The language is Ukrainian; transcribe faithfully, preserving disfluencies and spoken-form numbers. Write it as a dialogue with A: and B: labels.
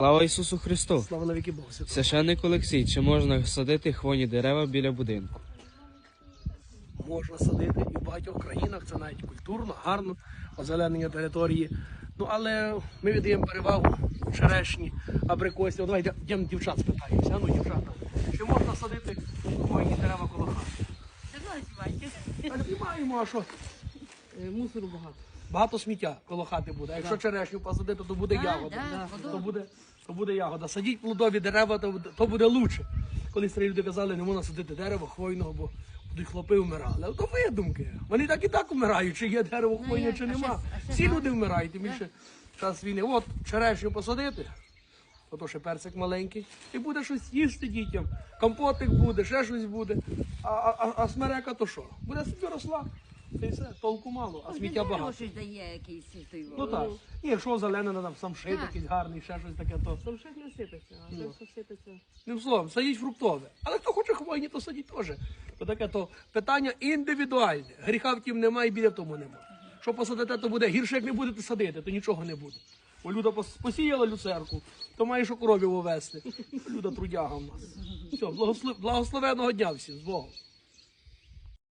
A: Слава Ісусу Христу!
B: Слава навіки Богу. Святого.
A: Священник Олексій, чи можна садити хвойні дерева біля будинку?
B: Можна садити і в багатьох країнах, це навіть культурно, гарно, озеленення території. Ну, але ми віддаємо перевагу черешні, абрикосі. О, давайте йдемо дівчат спитаємося. Ну, дівчата, чи можна садити хвойні дерева коло хати? Так знімаємо, а що?
C: Мусору багато.
B: Багато сміття коло хати буде. А якщо черешню посадити, то буде ягода.
C: да,
B: То буде, то буде ягода. Садіть плодові дерева, то, буде- то буде лучше. Колись старі люди казали, не можна садити дерево хвойного, бо будуть хлопи вмирали. Але то видумки. Вони так і так вмирають, чи є дерево хвойне,
C: як?
B: чи
C: А
B: нема.
C: ще- а ще
B: Всі
C: гарно.
B: люди вмирають, тим більше час війни. От черешню посадити, ото ще персик маленький, і буде щось їсти дітям. Компотик буде, ще щось буде. А, а, а- а смерека то що? Буде собі росла. Та й все, толку мало, а сміття багато.
C: щось дає якийсь той.
B: Ну так. І якщо зелене, там самшит
C: Так.
B: якийсь гарний, ще щось таке, то.
D: Самшит не сипеться, а
B: Ну.
D: це все сипеться.
B: Не словом, садіть фруктове. Але хто хоче хвойні, то садіть теж. То таке то питання індивідуальне. Гріха втім немає, і біля в тому немає. Що посадите, то буде гірше, як не будете садити, то нічого не буде. Бо Люда пос- посіяла люцерку, то має що коровів увести. Люда трудяга в нас. Все, благослов... благословеного дня всім, з Богом.